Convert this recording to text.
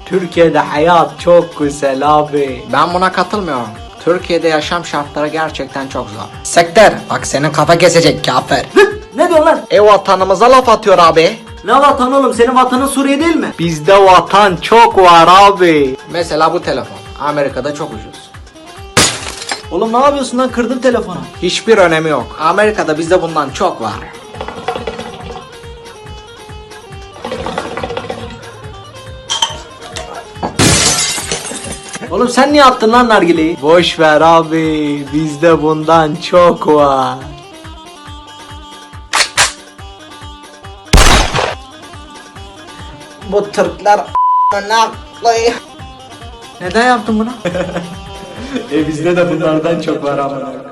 Türkiye'de hayat çok güzel abi. Ben buna katılmıyorum. Türkiye'de yaşam şartları gerçekten çok zor. Sekter, bak senin kafa kesecek kafir. Ne diyorsun lan? Vatanımıza laf atıyor abi. Ne vatan oğlum? Senin vatanın Suriye değil mi? Bizde vatan çok var abi. Mesela bu telefon. Amerika'da çok ucuz. Oğlum ne yapıyorsun lan? Kırdın telefonu. Hiçbir önemi yok. Amerika'da bizde bundan çok var. Oğlum sen niye attın lan nargileyi? Boş ver abi. Bizde bundan çok var. Bu Türkler Neden yaptın bunu? bizde de bunlardan çok var ama.